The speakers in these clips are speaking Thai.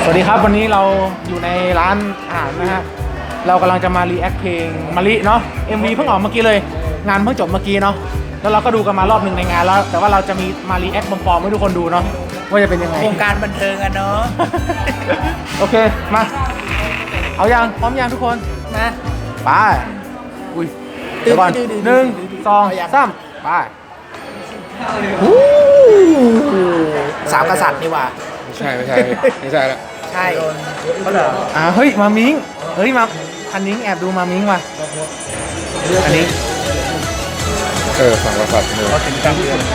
สวัสดีครับวันนี้เราอยู่ในร้านอาหารนะฮะเรากำลังจะมารีแอคเพลงมะลิเนาะ MV เพิ่งออกเมื่อกี้เลยงานเพิ่งจบเมื่อกี้เนาะแล้วเราก็ดูกันมารอบหนึ่งในงานแล้วแต่ว่าเราจะมีมารีแอคปลอมๆให้ทุกคนดูเนาะว่าจะเป็นยังไงวงการบันเทิงอะเนาะโอเคมาเอายังพร้อมยังทุกคนนะไปอุ้ยเดี๋ยวก่อน1 2 3ไปสามกษัตริย์นี่หว่าไม่ใช่ไม่ใช่แล้วใช่เฮ้ยมามิงเฮ้ยมาอันนิ้งแอบดูมามิงว่ะอันนี้ฝั่งกษัตริย์เลยถึงกลางเดือน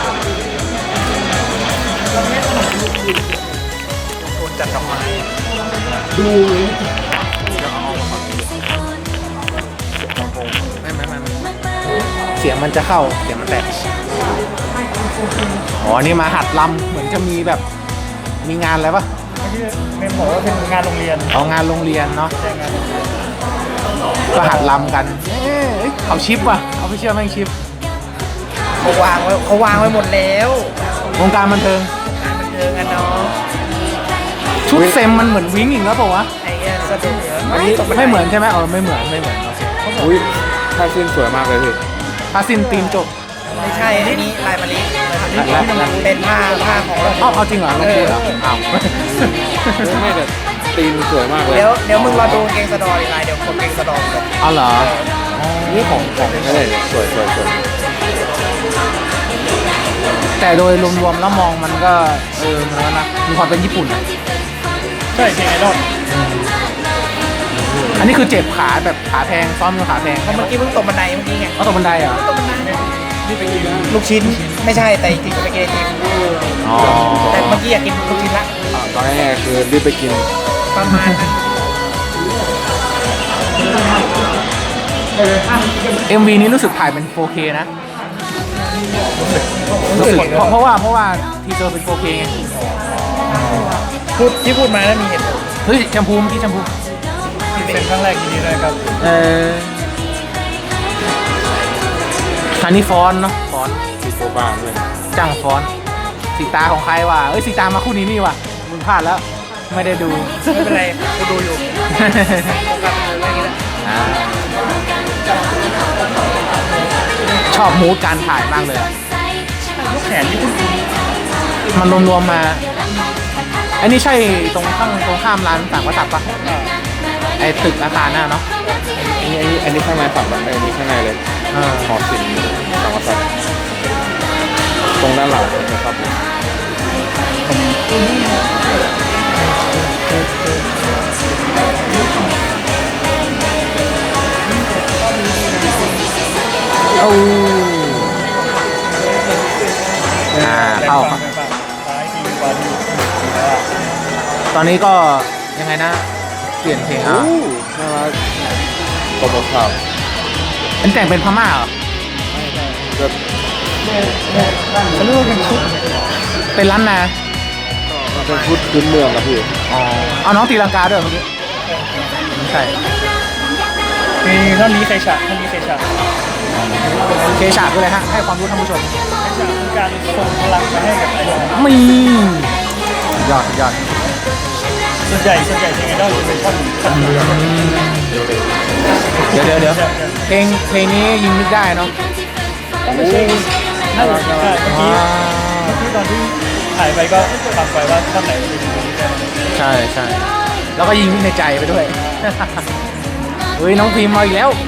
โดนจัดดอกไม้ไม่เสียงมันจะเข้าเสียงมันแตกอ๋อนี่มาหัดลำเหมือนจะมีแบบมีงานอะไรปะเมมบอกว่าเป็นงานโรงเรียนเอางานโรงเรียนเนาะก็หัดลำกันเอาชิปว่ะเอาไปเชื่อแม่งชิปเขาวางไว้หมดแล้ววงการบันเทิงงานบันเทิงอะเนาะชุดเซมมันเหมือนวิ้งอีกแล้วเปล่าวะไอ้เงี้ยสะดุดไม่เหมือนใช่ไหมไม่เหมือนโอเคอุ้ยท่าสิ้นสวยมากเลยพี่พาซินตีนจบไม่ใช่อันนี้ลายมะลิและเป็นผ้าของเราเอาจริงเหรอลงพูดเหรออ้าวไม่แต่ตีนสวยมากเลยเดี๋ยวมึงรอดูเกงสะดอดีลายเดี๋ยวผมเกงสะดอเลยเอาเหรอนี่ของอะไรเนี่ยสวยแต่โดยรวมๆแล้วมองมันก็มันก็นะมีความเป็นญี่ปุ่นนะใช่เกงไอดอลอันนี้คือเจ็บขาแบบขาแพงซ้อมกับขาแพงเพราะเมื่อกี้เพิ่งตกบันไดเมื่อกี้ไงเอาตกบันไดเหรอลูกชิ้นไม่ใช่แต่จริงๆจะไปกินไอติมอ๋อแต่เมื่อกี้อยากกินลูกชิ้นละตอนแรกคือรีบไปกินประมาณนั้น MV นี้รู้สึกถ่ายเป็น 4K นะรู้สึกเพราะว่าทีเซอร์เป็น 4K ไงพูดมาแล้วมีเหตุผลเฮ้ยแชมพูเมื่อกี้แชมพูเป็นครั้งแรกที่นี่เลยครับอันนี้ฟอนต์เนาะฟอนต์มีโคบ้านด้วยจ้างฟอนต์สีตาของใครวะสีตามาคู่นี้นี่วะมึงพลาดแล้วไม่ได้ดูไม่เป็นไรกูดูอยู่โอกาสเป็นอะไรกันชอบมูดการถ่ายมากเลยอะลูกแขนที่คุณมันรวมๆมาอันนี้ใช่ตรงข้ามร้านต่างวัฒน์ปะไอตึกอาคารน่ะเนาะอันนี้ข้างในฝั่งแบบอันนี้ข้างในเลยหอศิลป์สังวัตรตรงด้านหลังนะครับเอาเข้าตอนนี้ก็ยังไงนะเปลี่ยนเพลงอ่ะน่ารักกบข่าวอันแต่งเป็นพม่าเหรอแบบเขาเรียกว่าเป็นชุดเป็นล้านนาเป็นชุดพื้นเมืองครับพี่อ๋อเอาน้องตีลังกาด้วยเมื่อกี้ไม่ใช่มีท่อนนี้ใครฉากท่อนนี้ใครฉากเคฉากด้วยเลยฮะให้ความรู้ท่านผู้ชมคือการส่งพลังไปให้กับไอดอลมียอดส่วนใหญ่เกงไอดอลจะเป็นท่อนเรือเดี๋ยวเพลงนี้ยิงนึกได้เนาะไม่ใช่น่ารักเมื่อกี้ตอนที่ถ่ายไปก็ฟังไปว่าท่อนไหนเป็นคนที่ได้ใช่แล้วก็ยิงในใจไปด้วย เฮ้ยน้องพิมพ์มาอีกแล้ว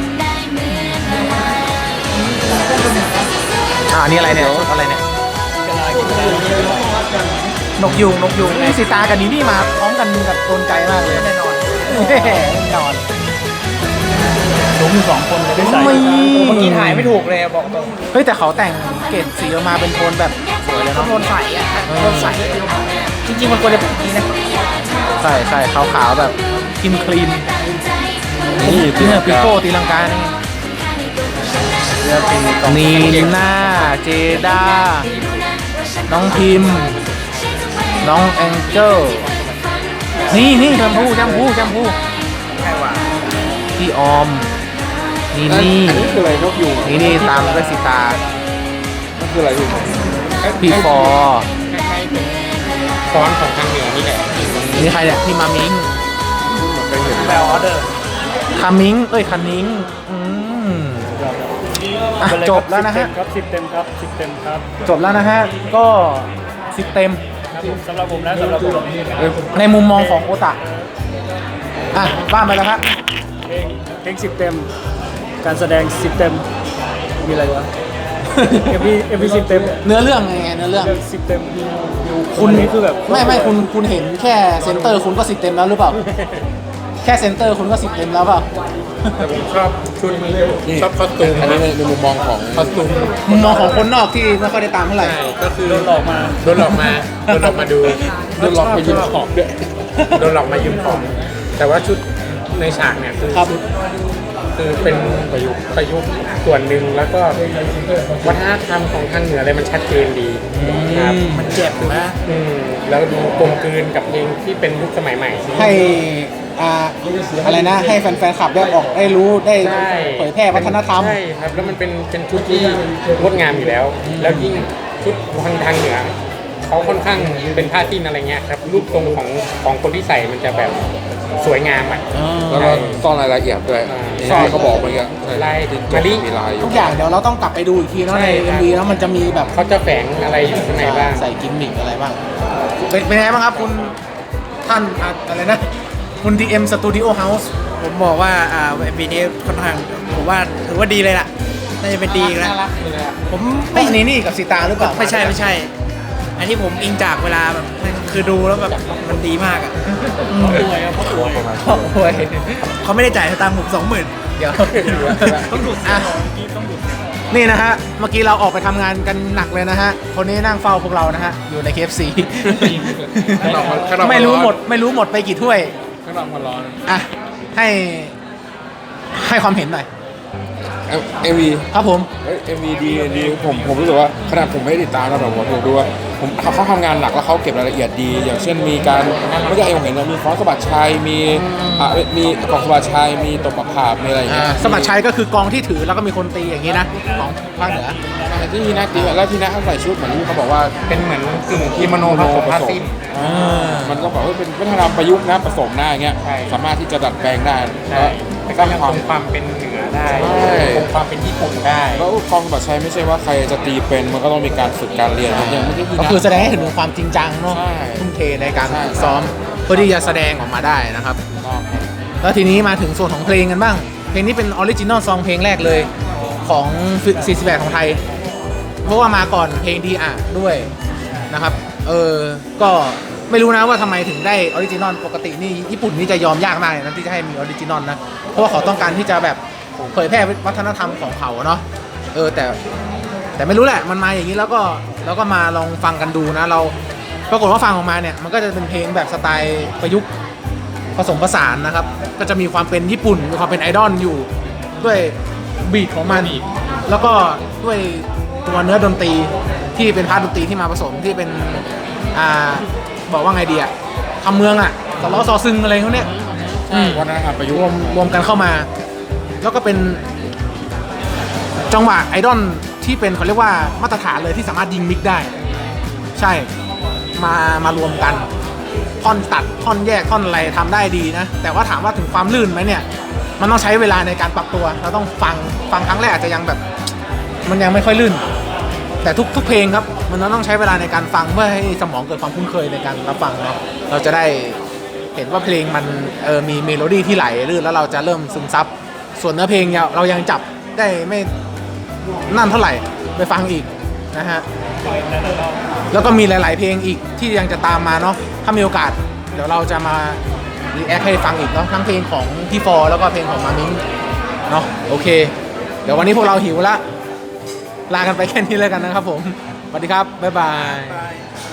อันนี้อะไรเนี่ยชุดอะไรเนี่ยนกยูงไงสีตากับนีนี่มาพร้อมกันแบบโดนใจมากเลยแน่นอนแน่นอนสูงอยู่2 คนเลยได้ใส่เมื่อกี้ถ่ายไม่ถูกเลยบอกตรงเฮ้ยแต่เขาแต่งเกรดสีออกมาเป็นโทนแบบสวยเลยต้อเนาะงโดนใส่อะโดนใส่จริงๆมันควรจะเป็นแบบนี้นะใช่ขาวๆแบบคลีนนี่เนี่ยปิโป้ตีลังกานี่นีน่าเจด้าน้องพิมพ์น้องแองเจิลนี่แชมพูใช่ว่าพี่ออมนี่อันนี้คืออะไรนกยูงนี่ตามด้วยสีตานั่นคืออะไรพี่พี่ฟอร์ฟอนต์ของทางเหนือนี่แหละนี่ใครเนี่ยพี่มามิงเคยเห็นแปลออเดอร์คามิงคันนิ้งอ่ะจบแล้วนะฮะครับ10 เต็มครับ10 เต็มครับจบแล้วนะฮะก็10 เต็มครับผมสำหรับผมนะสำหรับผมในมุมมองของโอตะอ่ะว่าไปแล้วครับเพลง10 เต็ม การแสดง10 เต็มมีอะไรวะ MV 10 เต็มเนื้อเรื่องไงเนื้อเรื่อง 10 เต็มคุณอันนี้คือแบบไม่คุณเห็นแค่เซนเตอร์คุณก็10 เต็มแล้วหรือเปล่า แค่เซนเตอร์คุณก็10 เต็มแล้วเปล่าแต่ผมชอบชุดชอบคอสตูมอันนี้ในมุมมองของคอสตูมมุมมองของคนนอกที่ไม่ค่อยได้ตามเท่าไหร่ใช่ก็คือโดนหลอกมาโดนหลอกมาดูโดนหลอกมายืมของด้วยโดนหลอกมายืมของ แต่ว่าชุดในฉากเนี่ยคือครับชุดคือเป็นประยุกต์ส่วนหนึ่งแล้วก็วัฒนธรรมของทางเหนืออะไรมันชัดเจนดีครับมันเจ็บนะแล้วดูกลมกลืนกับเพลงที่เป็นยุคสมัยใหม่ให้อะไรนะ ให้แฟนๆคลับได้ออกได้รู้ได้ใช่เผยแพร่วัฒนธรรมใช่ครับแล้วมันเป็นชุดที่งดงามอยู่แล้ว แล้วยิ่งชุดทางเหนือเขาค่อนข้างเป็นผ้าสิ้นอะไรเงี้ยครับรูปทรงของคนที่ใส่มันจะแบบสวยงามอ่ะแล้วก็ซ่อนรายละเอียดด้วยใช่ที่เขาบอกเมื่อกี้ลายจมะลิมีลายอยู่ทุกอย่างเดี๋ยวเราต้องกลับไปดูอีกทีเนาะใช่ในครับ MV แล้วมันจะมีแบบเขาจะแฝงอะไรอยู่ข้างในบ้างใส่กิมมิคอะไรบ้าง เป็นไงบ้างครับคุณท่านอะไรนะ คุณ DM Studio House ผมบอกว่าปีนี้ค่อนข้างผมว่าถือว่าดีเลยล่ะน่าจะเป็นดีอีกแล้วน่ารักเลยอะผมไม่ไม่นี่กับสีตาหรือเปล่าไม่ใช่อันที่ผมอิงจากเวลาแบบคือดูแล้วแบบมันดีมากอ่ะป่วยครับเขาป่วยโอ้ยเขาไม่ได้จ่ายสตางค์ผม20,000 เดี๋ยวต้องดูดอ่ะต้องดูดนี่นะฮะ เมื่อกี้เราออกไปทำงานกันหนักเลยนะฮะ คนนี้นั่งเฝ้าพวกเรานะฮะ อยู่ใน KFC ข้างนอกมันไม่รู้หมดไปกี่ถ้วยข้างนอกมันร้อนอ่ะ ให้ความเห็นหน่อยเอ็มวีครับผมเอ็มวีดีผมรู้สึกว่าขนาดผมไม่ได้ติดตามนะแต่ผมดูว่าเขาทำงานหนักแล้วเขาเก็บรายละเอียดดี อย่างเช่นมีการเมื่อกี้ผมเห็นมีฟ้อนสะบัดชัยมีกองสะบัดชัยมีตบปะผาบมีอะไรอย่างเงี้ยสมัครชัยก็คือกองที่ถือแล้วก็มีคนตีอย่างนี้นะ ของภาคเหนือที่พี่นักตีแล้วพี่นักเขาใส่ชุดเหมือนที่เขาบอกว่าเป็นเหมือนกึ่งกิโมโนผสมผ้าสิ้นมันก็บอกว่าเป็นวัฒนธรรมประยุกต์นะผสมหน้าอย่างเงี้ยใช่สามารถที่จะดัดแปลงได้ใช่แต่ก็ยังคงความเป็นเหนือได้ใช่คงความเป็นญี่ปุ่นได้แล้วกองสะบัดชัยไม่ใช่ว่าใครจะตีเป็นมันก็ต้องมีการฝึกการเรียนอย่างเมื่อกี้พี่ก็นัคือแสดงให้เห็นถึงความจริงจังเนาะใช่ทุ่มเทในการใช่ฝึกซ้อมเพื่อที่จะแสดงออกมาได้นะครับ แล้วทีนี้มาถึงส่วนของเพลงกันบ้าง เพลงนี้เป็นออริจินอลซองเพลงแรกเลยของ48ของไทย เพราะว่ามาก่อนเพลงดีอ่ะด้วยนะครับ ก็ไม่รู้นะว่าทำไมถึงได้ออริจินอลปกตินี่ญี่ปุ่นนี่จะยอมยากมากเลยนะที่จะให้มีออริจินอลนะ เพราะว่าเขาต้องการที่จะแบบเผยแพร่วัฒนธรรมของเขาเนาะ แต่ไม่รู้แหละมันมาอย่างนี้แล้วก็มาลองฟังกันดูนะ เราปรากฏว่าฟังออกมาเนี่ยมันก็จะเป็นเพลงแบบสไตล์ประยุกต์ผสมผสานนะครับ ก็จะมีความเป็นญี่ปุ่นมีความเป็นไอดอลอยู่ด้วยบีทของมันแล้วก็ด้วยตัวเนื้อดนตรีที่เป็นพาร์ทดนตรีที่มาผสมที่เป็นบอกว่าไงดีอะทำเมืองอะสล้อซอซึงอะไรเขาเนี่ยวัฒนธรรมประยุกต์รวมกันเข้ามา แล้วก็เป็นจังหวะไอดอลที่เป็นเขาเรียกว่ามาตรฐานเลยที่สามารถยิงมิกได้ ใช่มารวมกันท่อนตัดท่อนแยกท่อนอะไรทำได้ดีนะ แต่ว่าถามว่าถึงความลื่นไหมเนี่ย มันต้องใช้เวลาในการปรับตัวเราต้องฟังครั้งแรกอาจจะยังแบบ มันยังไม่ค่อยลื่น แต่ทุกเพลงครับมันต้องใช้เวลาในการฟังเพื่อให้สมองเกิดความคุ้นเคยในการรับฟังเนาะเราจะได้เห็นว่าเพลงมันมีเมโลดี้ที่ไหลลื่นแล้วเราจะเริ่มซึมซับส่วนเนื้อเพลงเนี่ยเรายังจับได้ไม่นั่นเท่าไหร่ไปฟังอีกนะฮะแล้วก็มีหลาย ๆ เพลงอีกที่ยังจะตามมาเนาะถ้ามีโอกาสเดี๋ยวเราจะมารีแอคให้ฟังอีกเนาะทั้งเพลงของพี่ฟอร์แล้วก็เพลงของมามิงเนาะโอเค เดี๋ยววันนี้พวกเราหิวละลากันไปแค่นี้แล้วกันนะครับผม สวัสดีครับ บ๊ายบาย